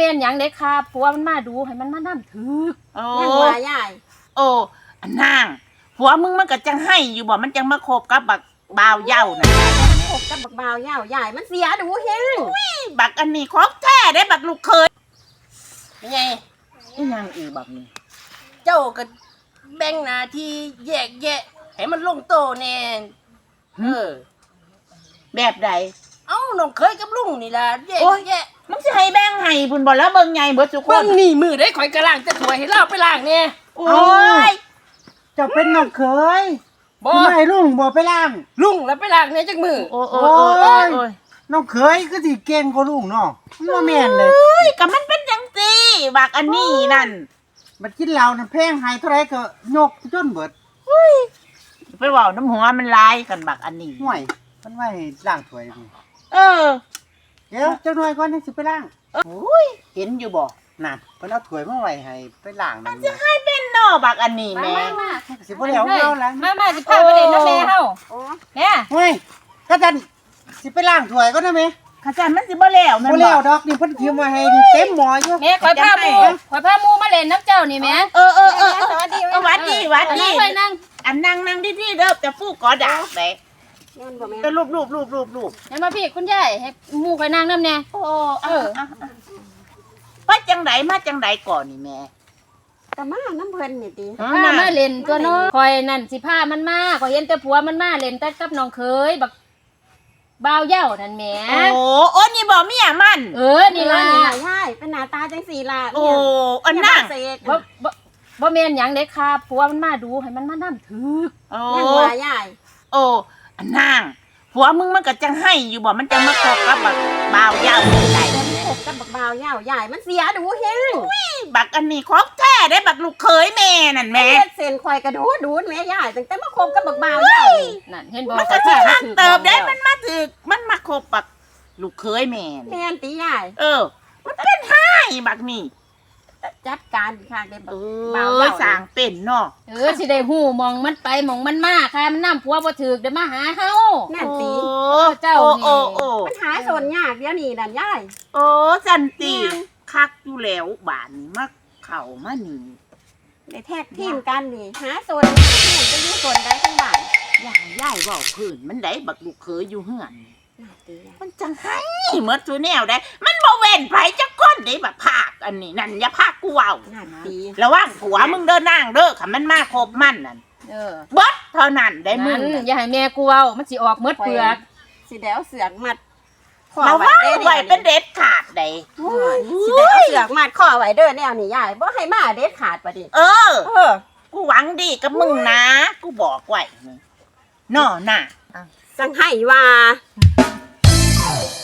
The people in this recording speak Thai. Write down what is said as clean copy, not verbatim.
แม่นหยังเด้ครับผัวมันมาดูให้มันมานํถือโอ้ยังว่าใหญ่โอ้อันนางผัวมึงมันก็จังให้อยู่บ่มันจังมาคบกับบักบ่าวเหย้าน่ะพบกับบักบ่าวเหย้าใหญ่มันเสียดูแฮงบักอันนี้ของแท้ได้บักลูกเคยไงอีหยังอีบักนี่เจ้าก็แบ่งหน้าที่แยกแยะให้มันลงโตแน่แบบใดเอ้าน้องเคยกับลุงนี่ล่ะแยกโอ้ยแยะมึงสิให้แบ่งให้พุ่นบ่แล้วเบิ่งใหญ่เบิดทุกคเบิ่นงนี่มือได้ข่อยกระล่างแต่ถวยให้เล่าไปล่างเนี่ยโอ้ยเจ้าเป็นน้องเคยบ่ทำไมลุงบ่ไปล้างลุงแล้วไปล่างเนี่ยจักมือโอ้ยน้องเคยก็สิเก่งกว่าลุงเนาะบ่แม่นเลยเฮ้ยก็มันเป็นจังซี่บักอันนี้นั่นมันกินเหล้าน่ะแพงให้เท่าไรก็ยกจนเบิดไปเว้าน้ำหัวมันลายกันบักอันนี้ห่วยมันไว้ให้ล้างถ้วยพุ่นเออเดี๋ยวเจ้าหน่อยก่อนจังสิไปล้างโอ้ยเห็นอยู่บ่นั่นเพิ่นเอาถ้วยมาไว้ให้ไปล้างนั่นจะให้เป็นนอบักอันนี้แม่มาสิบ่แล้วเอาแล้วมาสิพาไปเล่นน้ำแม่เฮาโอ้เนี่ยห่วยก็จันสิไปล้างถ้วยก่อนนะแม่ข้าจันมันสิบ่แล้วแม่นบ่บ่แล้วดอกนี่เพิ่นเตรียมไว้ให้นี่เต็มหม้ออยู่แม่ข่อยพาหมู่มาเล่นน้ำเจ้านี่แม่เออสวัสดีหวัดดีไปนั่งอันนั่งดีๆเด้อจะฟูกกอดาบไปแม่นบ่แม่จะรูปให้มาพี่คุณยายให้หมู่ข่อยนั่งนำแน่โอ้ไปจังไดมาจังไดก่อนนี่แม่ก็มาน้ำเพิ่นนี่ติพามาเล่นตัวน้อยข่อยนั่นสิพามันมาข่อยเห็นแต่ผัวมันมาเล่นแต่กับน้องเคยบักบ่าวเหย้านั่นแหมโอ้นี่บ่เมียมันนี่ล่ะใช่เป็นหน้าตาจังสี่ล่ะโอ้อันนั่งบ่แม่นหยังเด้ครับผัวมันมาดูให้มันมานํถือโอ้ยังว่าใหญ่โอ้อันนั่งผัวมึงมันก็จังให้อยู่บ่มันจังมาคบกับบักบ่าวเหย้าได้พบกับบักบ่าวเหย้าใหญ่มันเสียดูแฮงบักอันนี้ของแท้ได้บักลูกเคยแม่นั่นแม่เฮ็ดเส้นข่อยกระดูดแม่ใหญ่ตั้งแต่มาคบกับบักบ่าวเหย้านี่นั่นเห็นบ่มันก็สิข้างเติบได้มันมาถึกมันมาคบบักลูกเคยแม่นี่แม่นติใหญ่มันเป็นให้บักนี่จัดการข้างได้บักบ่าวสร้างเป็นเนาะสิได้ฮู้มองมันไปมองมันมาค่ะมันนํผัวบ่ถึกเดี๋ยวมาหาเฮานั่นติเจ้านี่โอ้มันหาสนยากเดี๋ยวนี้นั่นยายโอ้สันติคักอยู่แล้วบ้านนี้มาเข้ามานี่ได้แท็กทีมกันนี่หาสนยากเนี่ยจะอยู่สนได้ทั้งบ้านยายเว้าพื้นมันได้บักลูกเคยอยู่เฮือนนั่นติมันจังให้หมดซุแนวได้ มันบ่เว้นไผจักคนได้บักภาคอันนี้นั่นอย่าพากูเว้านั่นติระวังผัวมึงเด้อนางเด้อคันมันมาคบมันนั่นเบิดเท่านั้นได้มึนั่งนอย่าให้แม่กูเว้ามันสิออกหมดเปลือกสิได้เอาเสือกมัดข้อระไว้วังเด้อไว้เป็นเด็ดขาดได้สิได้เอาเสือกมัดข้อไว้เด้อแนวนี้ยายบ่ให้มาเด็ดขาดปะดิเออเออกูหวังดีกับมึงนะ กูบอกไว้นี่น่อน่ะสังให้ว่า